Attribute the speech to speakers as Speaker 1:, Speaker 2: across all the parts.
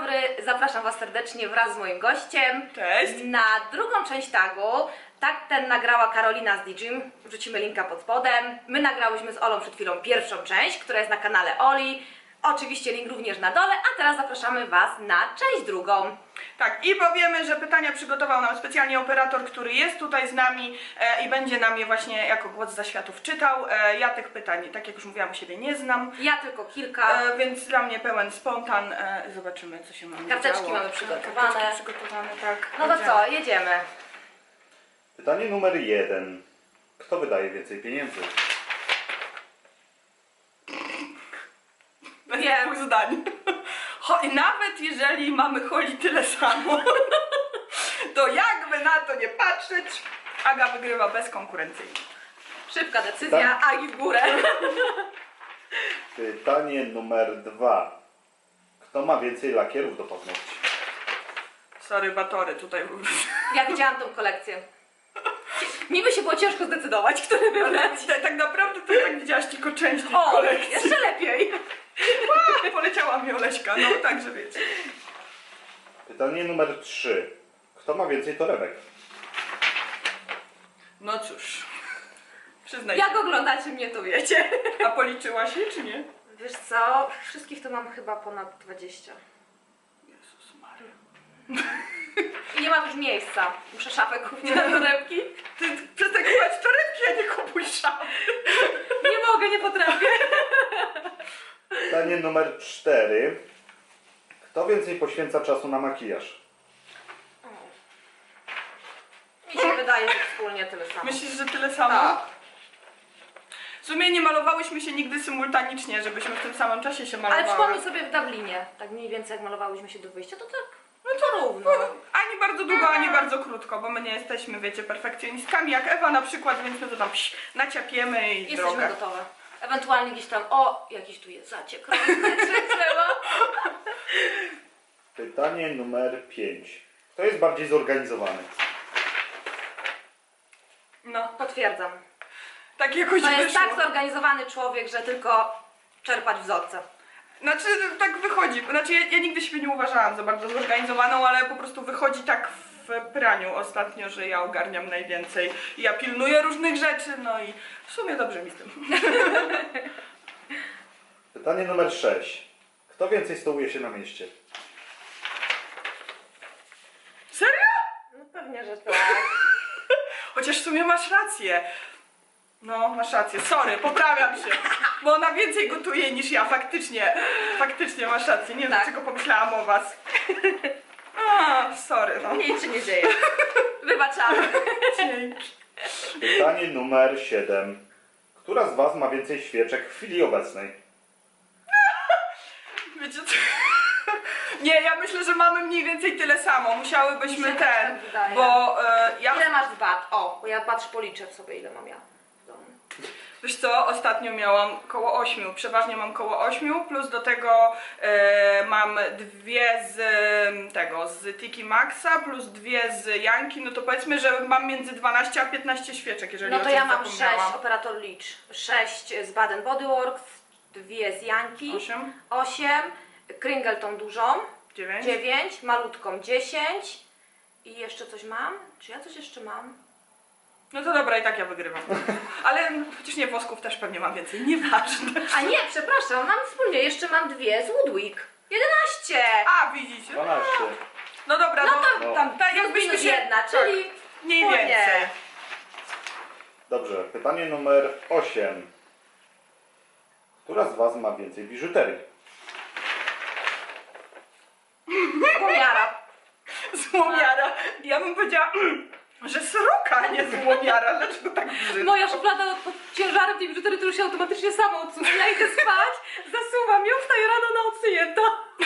Speaker 1: dobry, zapraszam Was serdecznie wraz z moim gościem.
Speaker 2: Cześć.
Speaker 1: Na drugą część tagu. Tak ten nagrała Karolina z DJim, wrzucimy linka pod spodem. My nagrałyśmy z Olą przed chwilą pierwszą część, która jest na kanale Oli. Oczywiście link również na dole, a teraz zapraszamy Was na część drugą.
Speaker 2: Tak, i powiemy, że pytania przygotował nam specjalnie operator, który jest tutaj z nami i będzie nam je właśnie jako głos zaświatów czytał. Ja tych pytań, tak jak już mówiłam, u siebie nie znam.
Speaker 1: Ja tylko kilka.
Speaker 2: Więc dla mnie pełen spontan. Zobaczymy, co się mamy
Speaker 1: Karteczki
Speaker 2: działo.
Speaker 1: mamy przygotowane.
Speaker 2: Karteczki przygotowane, tak.
Speaker 1: No to co, jedziemy.
Speaker 3: Pytanie numer 1. Kto wydaje więcej pieniędzy?
Speaker 2: Wiem. Pół zdań. I nawet jeżeli mamy Holi tyle samo, to jakby na to nie patrzeć, Aga wygrywa bezkonkurencyjnie.
Speaker 1: Szybka decyzja, Agi w górę.
Speaker 3: Pytanie numer 2. Kto ma więcej lakierów do paznokci?
Speaker 2: Sorry, batory tutaj.
Speaker 1: Ja widziałam tą kolekcję. Mi by się było ciężko zdecydować, który wybrać.
Speaker 2: Tak naprawdę to tak widziałaś tylko część tej
Speaker 1: O,
Speaker 2: kolekcji.
Speaker 1: jeszcze lepiej.
Speaker 2: Poleciała mi Oleśka, no także wiecie.
Speaker 3: Pytanie numer 3. Kto ma więcej torebek?
Speaker 2: No cóż, przyznaj
Speaker 1: Jak
Speaker 2: się.
Speaker 1: oglądacie mnie, to wiecie.
Speaker 2: A policzyłaś je, czy nie?
Speaker 1: Wiesz co, wszystkich to mam chyba ponad 20.
Speaker 2: Jezus Maria.
Speaker 1: I nie mam już miejsca. Muszę szafę kupić na torebki.
Speaker 2: Ty przestań kupować torebki, a nie kupuj szafy.
Speaker 1: Nie mogę, nie potrafię.
Speaker 3: Pytanie numer 4. Kto więcej poświęca czasu na makijaż?
Speaker 1: Mi się wydaje, że wspólnie tyle samo.
Speaker 2: Myślisz, że tyle samo?
Speaker 1: Tak.
Speaker 2: W sumie nie malowałyśmy się nigdy symultanicznie, żebyśmy w tym samym czasie się malowały.
Speaker 1: Ale przypomnij sobie w Dublinie, tak mniej więcej jak malowałyśmy się do wyjścia, to tak, no to równo.
Speaker 2: Ani bardzo długo, ani bardzo krótko, bo my nie jesteśmy, wiecie, perfekcjonistkami jak Ewa na przykład, więc my to tam naciapiemy i
Speaker 1: Jesteśmy
Speaker 2: droga.
Speaker 1: gotowe. Ewentualnie gdzieś tam, jakiś tu jest zaciek.
Speaker 3: Pytanie numer 5. Kto jest bardziej zorganizowany?
Speaker 2: No,
Speaker 1: Potwierdzam.
Speaker 2: tak jakoś
Speaker 1: To jest
Speaker 2: wyszło.
Speaker 1: tak zorganizowany człowiek, że tylko czerpać wzorce.
Speaker 2: Znaczy, tak wychodzi. Znaczy, ja nigdy siebie nie uważałam za bardzo zorganizowaną, ale po prostu wychodzi tak w praniu ostatnio, że ja ogarniam najwięcej. I ja pilnuję różnych rzeczy, no i w sumie dobrze mi z tym.
Speaker 3: Pytanie numer 6. Kto więcej stołuje się na mieście?
Speaker 2: Serio?
Speaker 1: No pewnie, że tak.
Speaker 2: Chociaż w sumie masz rację. No, masz rację. Sorry, poprawiam się. Bo ona więcej gotuje niż ja, faktycznie masz rację. Nie wiem,
Speaker 1: Tak.
Speaker 2: dlaczego pomyślałam o was. Sorry, no.
Speaker 1: Nic się nie dzieje. Wybaczamy.
Speaker 2: Dzięki.
Speaker 3: Pytanie numer 7. Która z Was ma więcej świeczek w chwili obecnej?
Speaker 2: Wiecie co? Nie, ja myślę, że mamy mniej więcej tyle samo. Musiałybyśmy
Speaker 1: Mi się też
Speaker 2: ten,
Speaker 1: tak wydaje.
Speaker 2: bo ja...
Speaker 1: Ile masz bat? Bo ja patrzę, policzę sobie, ile mam ja w domu.
Speaker 2: Wiesz co, ostatnio miałam koło 8, przeważnie mam koło 8, plus do tego mam 2 z z Tiki Maxa, plus 2 z Janki, no to powiedzmy, że mam między 12 a 15 świeczek, jeżeli
Speaker 1: No
Speaker 2: o
Speaker 1: to
Speaker 2: czymś
Speaker 1: ja mam 6,
Speaker 2: zapomniałam.
Speaker 1: operator licz. 6 z Baden Body Works, 2 z Janki,
Speaker 2: 8,
Speaker 1: 8, Kringle tą dużą,
Speaker 2: 9.
Speaker 1: 9, malutką 10 i jeszcze coś mam? Czy ja coś jeszcze mam?
Speaker 2: No to dobra, i tak ja wygrywam. Ale chociaż nie, wosków też pewnie mam więcej, nieważne.
Speaker 1: A nie, przepraszam, mam wspólnie, jeszcze mam 2 z Woodwick. 11!
Speaker 2: A, widzicie?
Speaker 3: 12.
Speaker 2: No dobra,
Speaker 1: No to
Speaker 3: No.
Speaker 1: tam
Speaker 2: tak,
Speaker 1: jakbyśmy
Speaker 2: jakbyśmy się-
Speaker 1: jedna, czyli
Speaker 2: mniej
Speaker 1: wspólnie.
Speaker 2: więcej.
Speaker 3: Dobrze, pytanie numer 8. Która z Was ma więcej biżuterii?
Speaker 1: Pomiara.
Speaker 2: Złomiara. Ja bym powiedziała, że sroka, a nie złomiara. Dlaczego tak brzydko?
Speaker 1: Moja szuflada pod ciężarem tej biżuterii to już się automatycznie sama odsuwa. Ja idę spać, zasuwam ją, wstaję rano na odsunięta.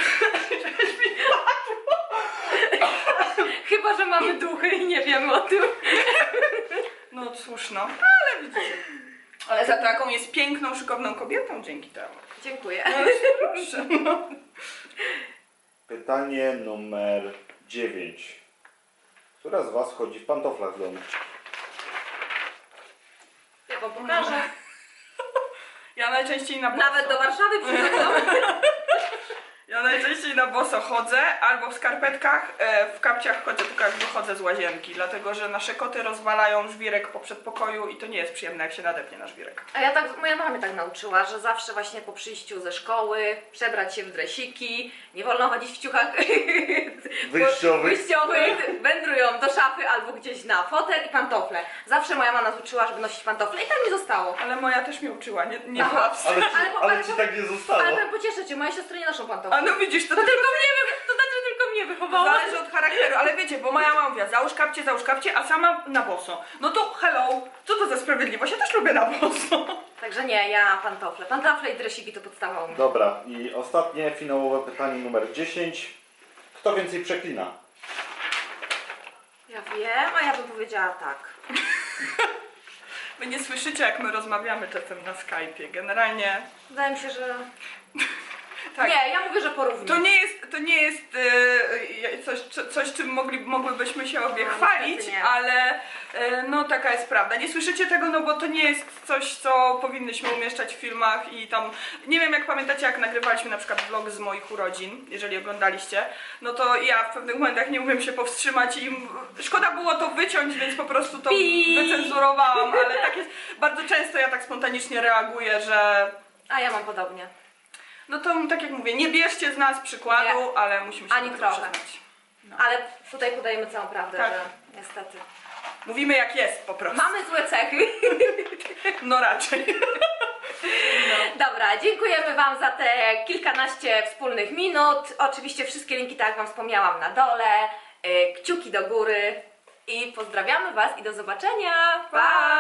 Speaker 1: Chyba, że mamy duchy i nie wiemy o tym.
Speaker 2: No cóż, no. Ale widzicie. Ale za taką jest piękną, szykowną kobietą dzięki temu.
Speaker 1: Dziękuję.
Speaker 2: Proszę, no.
Speaker 3: Pytanie numer 9. Która z Was chodzi w pantoflach w domu?
Speaker 1: Ja wam pokażę.
Speaker 2: Ja najczęściej na boso.
Speaker 1: Nawet do Warszawy przychodzą.
Speaker 2: Ja Ja najczęściej na boso chodzę, albo w skarpetkach, w kapciach chodzę tylko jak wychodzę z łazienki, dlatego że nasze koty rozwalają żwirek po przedpokoju i to nie jest przyjemne, jak się nadepnie na żwirek.
Speaker 1: A ja tak, moja mama mnie tak nauczyła, że zawsze właśnie po przyjściu ze szkoły przebrać się w dresiki, nie wolno chodzić w ciuchach wyjściowych, wędrują do szafy albo gdzieś na fotel i pantofle. Zawsze moja mama nas uczyła, żeby nosić pantofle i tak mi zostało.
Speaker 2: Ale moja też mnie uczyła, nie
Speaker 1: Aha.
Speaker 2: była w stanie.
Speaker 3: Ale ci tak nie zostało.
Speaker 1: Ale powiem, pocieszę cię, moje siostry nie noszą pantofli.
Speaker 2: A no widzisz, to
Speaker 1: To znaczy tylko mnie wychowała.
Speaker 2: zależy od charakteru, ale wiecie, bo moja mama mówiła, załóż kapcie, a sama na boso. No to hello, co to za sprawiedliwość? Ja też lubię na boso.
Speaker 1: Także nie, ja pantofle. Pantofle i dresiki to podstawa u mnie.
Speaker 3: Dobra, i ostatnie, finałowe pytanie numer 10. Kto więcej przeklina?
Speaker 1: Ja wiem, a ja bym powiedziała tak.
Speaker 2: Wy nie słyszycie, jak my rozmawiamy czasem na Skype'ie. Generalnie
Speaker 1: Wydaje mi się, że...
Speaker 2: tak.
Speaker 1: Nie, ja mówię, że porównuję.
Speaker 2: To nie jest coś czym mogłybyśmy się obie
Speaker 1: No,
Speaker 2: chwalić,
Speaker 1: niestety nie.
Speaker 2: ale no taka jest prawda. Nie słyszycie tego, no bo to nie jest coś, co powinnyśmy umieszczać w filmach i tam, nie wiem jak pamiętacie, jak nagrywaliśmy na przykład vlog z moich urodzin, jeżeli oglądaliście, no to ja w pewnych momentach nie umiem się powstrzymać i szkoda było to wyciąć, więc po prostu to wycenzurowałam, ale tak jest, bardzo często ja tak spontanicznie reaguję, że
Speaker 1: A ja mam podobnie.
Speaker 2: no to tak jak mówię, nie bierzcie z nas przykładu,
Speaker 1: Nie.
Speaker 2: ale musimy się
Speaker 1: Ani
Speaker 2: do tego
Speaker 1: trochę.
Speaker 2: przyznać.
Speaker 1: Ale tutaj podajemy całą prawdę,
Speaker 2: Tak.
Speaker 1: że niestety.
Speaker 2: Mówimy jak jest po prostu.
Speaker 1: Mamy złe cechy.
Speaker 2: No raczej.
Speaker 1: Dobra, dziękujemy Wam za te kilkanaście wspólnych minut. Oczywiście wszystkie linki, tak jak Wam wspomniałam, na dole. Kciuki do góry. I pozdrawiamy Was i do zobaczenia. Pa!